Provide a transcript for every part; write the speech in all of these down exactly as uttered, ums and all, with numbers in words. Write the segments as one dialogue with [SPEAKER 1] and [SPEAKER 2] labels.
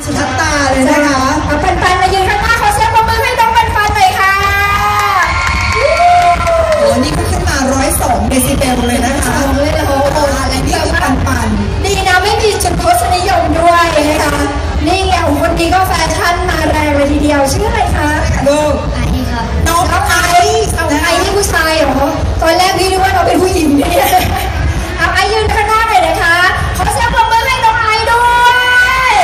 [SPEAKER 1] สุดทัดตาเลยนะคะ
[SPEAKER 2] เอาปันปันมายืนข้างหน้าขอเสียงปรบมือให้น้องปันปันหน่อยค่ะ
[SPEAKER 1] โอ้นี่ก็ขึ้นมาร้อยสองเดซิเบลเลยนะคะ
[SPEAKER 2] เลยโอ้โห
[SPEAKER 1] และนี่คือปันปัน
[SPEAKER 2] ดีนะไม่มีจุดทศนิยมด้วยนะคะนี่ไงคนนี้ก็แฟชั่นมาแรงเลยทีเดียวชื่ออะไรคะ
[SPEAKER 1] ลูก
[SPEAKER 2] ไอค่ะ
[SPEAKER 1] น้องไอ
[SPEAKER 2] เอาไอนี่ผู้ชายเหรอตอนแรกพี่นึกว่าเราเป็นผู้หญิงเนี่ยเอาไอยืนข้างหน้าหน่อยนะคะขอเสียงปรบมือให้น้องไอด้วย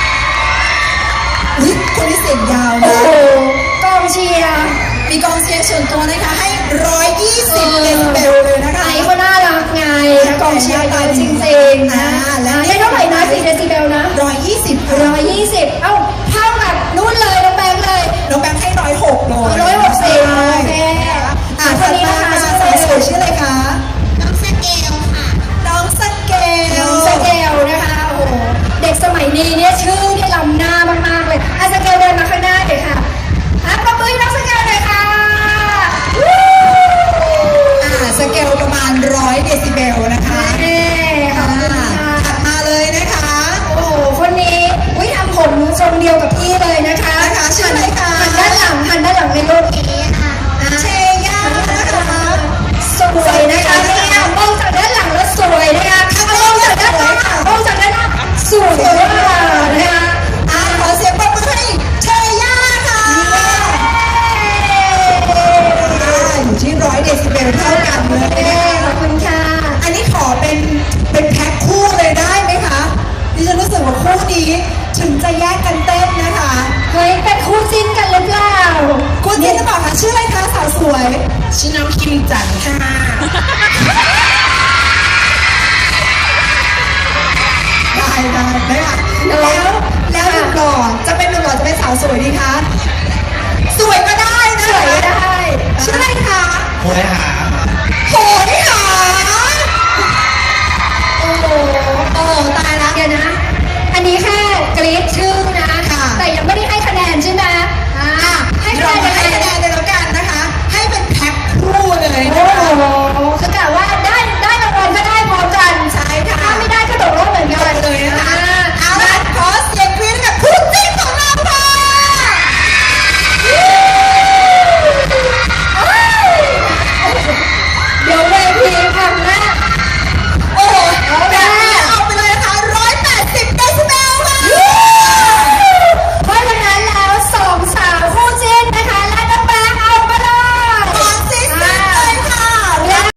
[SPEAKER 1] คนนี้เสียงยาวนะ
[SPEAKER 2] กองเชียร์
[SPEAKER 1] มีกองเชียร์ส่วนตัวนะคะให้ร้อยยี่สิบเดซิเบลเลยนะคะ
[SPEAKER 2] ไอก็น่ารักไงกองเชียร์ตายจริงๆนะแล้วนี่เท่าไหร่นะสี่เดซิเบลนะ
[SPEAKER 1] ร้อยยี่สิบ
[SPEAKER 2] ร้อยยี่สิบเอ้าเท่ากับนู่นเลยน้องแบงค์เลย
[SPEAKER 1] น้องแบงค์ให้ร้อยหกเลย
[SPEAKER 2] ร้อยหกสิบโอเค
[SPEAKER 1] อ่าคนนี้นะคะสาวสวยชื่ออะไรคะ
[SPEAKER 2] น้องสเกลค่ะ
[SPEAKER 1] น้องสเกล
[SPEAKER 2] น้องสเกลนะคะโอ้โหเด็กสมัยนี้เนี่ยชื่อที่ล้ำหน้ามากๆเลยอ่ะสเกลเดินมาข้างหน้าเดี๋ยวค่ะอ่ะปรบมือน้องสเกลหน่อยค่ะ
[SPEAKER 1] อ่าสเกลประมาณร้อยเดซิเบลนะคะ
[SPEAKER 2] เอ๊ค่ะ
[SPEAKER 1] ถัดมาเลยนะคะ
[SPEAKER 2] โอ้โหคนนี้วิทำผมทรงเดียวกับพี่เลยนะคะ
[SPEAKER 1] นะคะชื่ออะไรคะ
[SPEAKER 2] หันด้านหลังหันด้านหลังในรูปนี้ค่ะ
[SPEAKER 1] เชย่านะคะ
[SPEAKER 2] สวยนะคะเนี่ยมองจากด้านหลังแล้วสวยนะคะมองจากด้านหลังมองจากด้านหน้าสวยมากนะคะ
[SPEAKER 1] อ่าขอเสียงปรบมือให้เชย่าค่ะอยู่ที่ร้อยเดซิเบลเท่ากันเลย
[SPEAKER 2] ขอบคุณค่ะ
[SPEAKER 1] อันนี้ขอเป็นเป็นแพ็คคู่เลยได้ไหมคะดิฉันรู้สึกว่าคู่นี้ถึงจะแยกกันเต้นนะคะ
[SPEAKER 2] เฮ้ยเป็นคู่จิ้นกันหรือเปล่า
[SPEAKER 1] คู่จิ้นหรือเปล่าคะชื่ออะไรคะสาวสวย
[SPEAKER 2] ชื่อน้องคิมจันค่ะ
[SPEAKER 1] ได้ได้ได้ค่ะแล้วแล้วหนุ่มหล่อจะเป็นหนุ่มหล่อจะเป็นสาวสวยดีคะสวยก็ได้นะ
[SPEAKER 2] สวยก็ได้
[SPEAKER 1] ชื่ออะไรคะ
[SPEAKER 3] โหยหา
[SPEAKER 1] โหยหา
[SPEAKER 2] โอ้โห
[SPEAKER 1] โอ้โห